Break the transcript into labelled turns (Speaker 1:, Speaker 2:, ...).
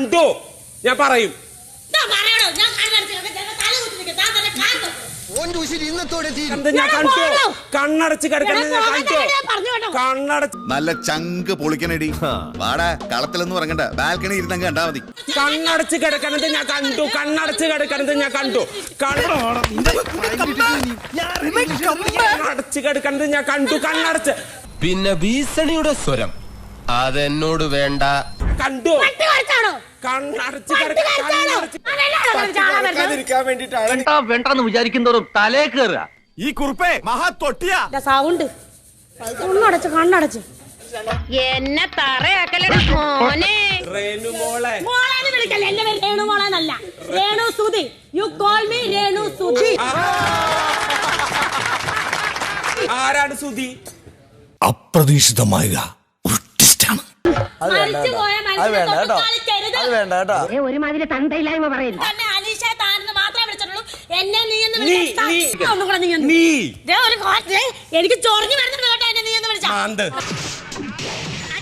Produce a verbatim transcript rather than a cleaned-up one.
Speaker 1: ഞാൻ പറയും. കണ്ണടച്ച് കണ്ണടച്ച്
Speaker 2: നല്ല ചങ്ക് പൊളിക്കണടി. വാടാ കളത്തിലൊന്നും ഇറങ്ങണ്ട, ബാൽക്കണി ഇരുന്നങ്ങ് കണ്ടാ മതി.
Speaker 1: കണ്ണടച്ച് കിടക്കണത് ഞാൻ കണ്ടു. കണ്ണടച്ച് കിടക്കണത് ഞാൻ കണ്ടു. കണ്ണടച്ച് കിടക്കണത് ഞാൻ കണ്ടു. കണ്ണടച്ച്
Speaker 3: പിന്നെ ഭീഷണിയുടെ സ്വരം അതെന്നോട് വേണ്ട.
Speaker 1: കണ്ടു. കണ്ണടച്ച് കിടക്കാൻ വേണ്ടിട്ടാണ്
Speaker 4: വേണ്ടെന്ന് വിചാരിക്കുന്നവരും തലേ കയറുക.
Speaker 2: ഈ കുറുപ്പേ മഹാ തൊട്ടിയാ
Speaker 5: സൗണ്ട് കണ്ണടച്ച് കണ്ണടച്ച്
Speaker 6: എന്നെ തറയാക്കലട മോനെ.
Speaker 1: രേണു മോളെ
Speaker 5: മോളെന്ന് വിളിക്കല്ലേ, എന്റെ പേര് രേണു മോളെന്നല്ല, Renu Sudhi. You call me Renu Sudhi.
Speaker 1: ആരാണ് സുധി?
Speaker 2: അപ്രതീക്ഷിതമായ
Speaker 6: ഒരുമാതിരി തന്തയില്ലായ്മ പറയുന്നു.
Speaker 5: എനിക്ക് ചൊറിഞ്ഞു വരുന്നുണ്ട് കേട്ടോ എന്നെ നീ എന്ന് വിളിച്ചാ.